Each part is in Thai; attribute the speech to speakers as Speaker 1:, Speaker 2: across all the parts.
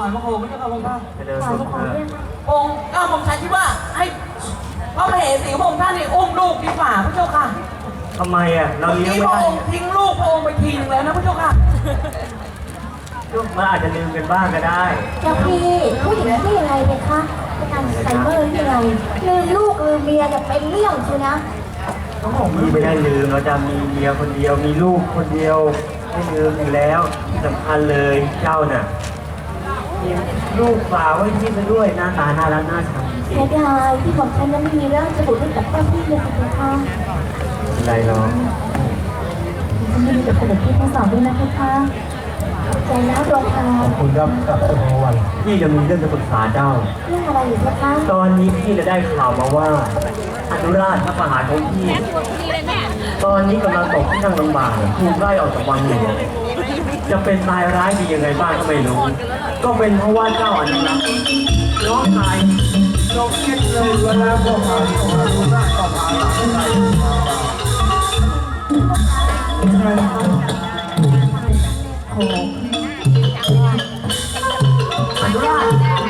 Speaker 1: อยพระโคไม่ใช่พระองค์ท่าน
Speaker 2: จะเดินสุดเถอะ
Speaker 1: องค์ก้าวผมฉันคิดว่าให้พระมเหสีของพระองค์ท่านนี่อุ้มลูกดีกว่าพระเจ้าค่ะ
Speaker 2: ทำไมอ่ะเราเลี้ยง
Speaker 1: ที่
Speaker 2: ไม่
Speaker 1: พระ
Speaker 2: ได้
Speaker 1: องค์ทิ้งลูกพระองค์ไปทีนึงแล้วนะพระเจ้าค่ะ
Speaker 2: ลูกมันอาจจะลืมกันบ้างก็ได้
Speaker 3: เจ้าพี่ผู้หญิงที่ยังไงเนี่ยคะเป็นการไซเมอร์ที่ยังไงลืมลูกลืมเมียจะเป็นเรื่องใช่นะ
Speaker 2: พี่ไม่ได้ลืมเราจะมีเมียคนเดียวมีลูกคนเดียวไม่ลืมอยู่แล้วที่สำคัญเลยเจ้าน่ะมีลูกฝากไว้ที่ไปด้วยหน้าตาน่ารักน่าชังจริง
Speaker 3: เสียดายที่ผมฉันนั้นไม่มีเรื่องจะบุกให้กับเจ้าพี่เลยค่ะ
Speaker 2: ๆอะไรหรอก
Speaker 3: ฉันไม่มีแต่คนที่ทั้งสองด้วยนะค่ะใจแล้วดวงตา
Speaker 2: ขอบคุณครับกับสุภวันพี่จะมีเรื่องจะปรึกษาเจ้า
Speaker 3: เรื่องอะไรอยู่คะ
Speaker 2: ตอนนี้พี่จะได้ข่าวมาว่าอนุราชพระมหาของพี่ตอนนี้กำลังตกที่นั่งลำบากถูกไล่ออกจากวังหลวงจะเป็นตายร้ายดียังไงบ้างก็ไม่รู้ ก็เป็นเพราะว่าเจ้าอนุรักษ์น้องชายลงคิดเลยเวลาพวกเราที่อนุราชก็พาหลานไปโอ้อนุราช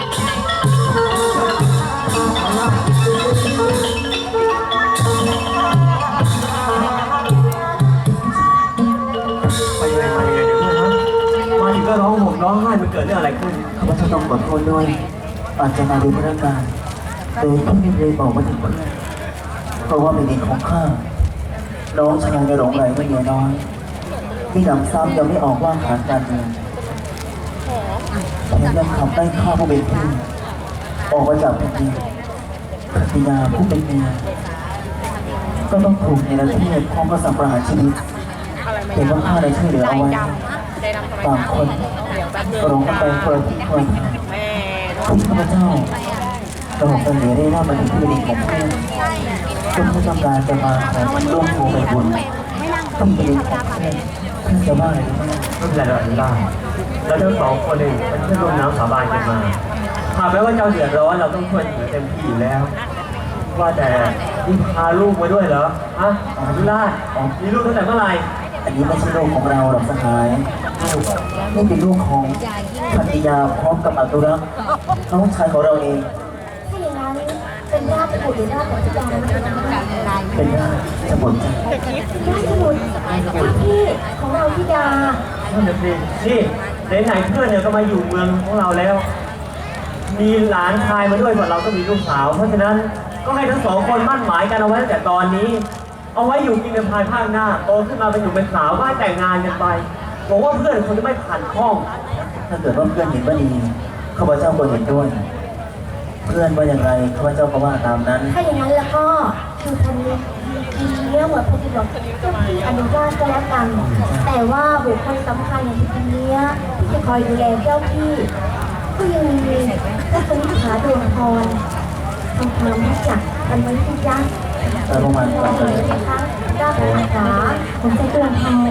Speaker 2: ไปยังไงมายังไงเดี๋ยวเพื่อนนะมาถึงก็ร้องห่มร้องไห้มันเกิดเรื่องอะไรขึ้น
Speaker 4: ข้าพเจ้าต้องขอโทษด้วยอาจจะมาดูพนักงานโดยที่ไม่ได้บอกมาถึงเพื่อนเพราะว่าเป็นเด็กของข้าน้องชายในหลงไหลไม่เมียน้อยที่นำซ้ำยังไม่ออกว่าขาดการเงินแถมยังขับไล่ข้าผู้เป็นพี่ออกมาจากแผ่นดินภรรยาผู้เป็นเมียก็ต้องถูกในประเทศพร้อมกับสังประหารชีวิตเห็นว่าข้าได้ช่วยเหลือเอาไว้บางคนก็ร้องกันไปคนละทิศคนละทางที่ข้าพเจ้าระบบกันเหลือได้รับมาถึงที่ดินของเพื่อนจนเขาต้องการจะมาขอร่วมโคไปบุญต้องเป็นดินของเพื่อนเพื่อนจะว่าอะไรรู้ไหม
Speaker 2: ไม่เป็นไรเราอนุญาตเราทั้งสองคนเองเป็นเพื่อนร่วมน้ำสาบานกันมาหากแม้ว่าเจ้าเดือดร้อนเราต้องช่วยเหลือเต็มที่อยู่แล้ว ว่าแต่นี่พาลูกมาด้วยเหรอฮะอนุราชมีลูกตั้งแต่เมื่อไหร่
Speaker 4: อันนี้ไม่ใช่ลูกของเราหรอกสหายนี่เป็นลูกของภรรยาพร้อมกับอนุรักษ์น้องชายของเราเอง
Speaker 3: ถ้าอย่างนั้นเป็นญาติบุตรหรือญาติของที่ดาอะไร
Speaker 4: เป็นญาติจะบ่นใจ
Speaker 3: ญาติบุตรพี่ของเราที่ดา
Speaker 2: นั่นน่ะสินี่ไหนๆเพื่อนเนี่ยก็มาอยู่เมืองของเราแล้ว มีหลานชายมาด้วยส่วนเราก็มีลูกสาว เพราะฉะนั้นก็ให้ทั้งสองคนมั่นหมายกันเอาไว้ตั้งแต่ตอนนี้ เอาไว้อยู่กินกันภายภาคหน้าโตขึ้นมาเป็นอยู่เป็นสาวก็ให้แต่งงานกันไปบอกว่าเพื่อนคงจะไม่ขัดข้อง
Speaker 4: ถ้าเกิดว่าเพื่อนเห็นว่าดีข้าพเจ้าก็เห็นด้วย เพื่อนว่าอย่างไรข้าพเจ้าก็ว่าตามนั้น
Speaker 3: ถ้าอย่างนั้นแล้วก็คือคนนี้มีเรื่องหมดพอดีบอกเจ้าพี่อนุญาตก็แล้วกัน แต่ว่าบุคคลสำคัญอย่างที่คนนี้ที่จะคอยดูแลเจ้าพี่ก็ยังมีเจ้าคนที่ขาดวงพรทำความรู้จักกันไว้ที่ยักษ์
Speaker 4: แต่ประมาณ
Speaker 3: ข
Speaker 4: กลาง
Speaker 3: เล
Speaker 4: เลย ย
Speaker 3: นะคะด้านขวาผมจะเตือนทอง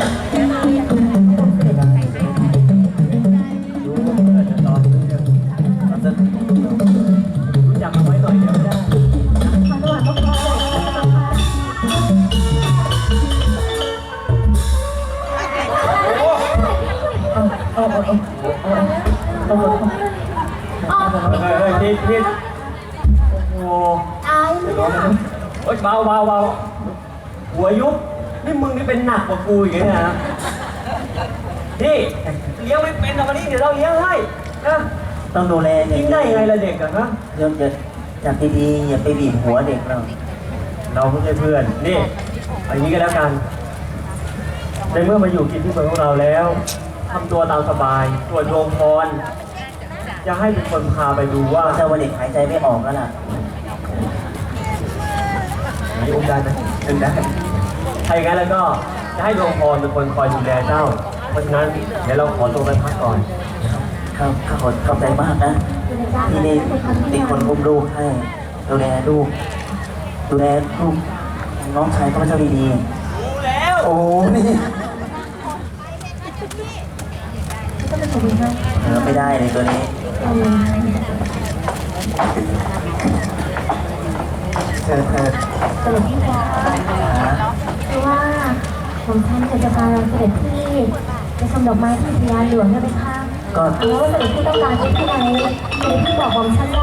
Speaker 2: รู้ว่าเพื่อนจะตอนนี้เนี่ยมันจะรู้จักเอาไว้หน่อยเดียวไม่ได้
Speaker 3: ขอโทษทุกคนเลยนะคะ
Speaker 2: เฮ้ยนิดโอ้โห
Speaker 3: ตายไม่ได้
Speaker 2: เฮ้ยเบาหัวยุบนี่มึงนี่เป็นหนักกว่ากูอีกนะนี่เลี้ยงไม่เป็นแต่วันนี้เดี๋ยวเราเลี้ยงให้นะ
Speaker 4: ต้องดูแลอย่า
Speaker 2: กิ
Speaker 4: ง
Speaker 2: นได้ยังไงล่ะเด็กอะฮะ
Speaker 4: เริ่มจะจับดีๆอย่าไปบีบหัวเด็กเรา
Speaker 2: เราไม่ใช่เพื่อนนี่เอาอย่างนี้ก็แล้วกันในเมื่อมาอยู่กินที่เมืองของเราแล้วทำตัวตามสบายตรวจดวงพรจะให้เป็นคนพาไปดูว่า
Speaker 4: เจ้าว่าเด็กหายใจไม่ออกแล้วล่ะ
Speaker 2: มีองค์การนะถึงได้ถ้าอย่างนั้นแล้วก็จะให้ดวงพรเป็นคนคอยดูแลเจ้า เพราะฉะนั้นเดี๋ยวเราขอตัวไปพักก่อน
Speaker 4: ครับข้าขอขอบใจมากนะที่นี่เป็นคนอุ้มลูกให้ดูแลลูกดูแลลูกน้องชายข้าพเจ้าดี
Speaker 2: รู้แล้ว
Speaker 4: ๆโอ้นี่
Speaker 3: ก็เป็นคนดีนะ
Speaker 4: ไม่ได้เลยตัวนี้เธอ
Speaker 3: เสด็จพี่คะคือว่าผมท่านจะพาเราเสด็จพี่ไปชมดอกไม้ที่พญาหลวงได้ไหมคะ
Speaker 4: ก็
Speaker 3: แล้วเสด็จพี่ต้องการที่ไหนเสด็จพี่บอกผมฉันได้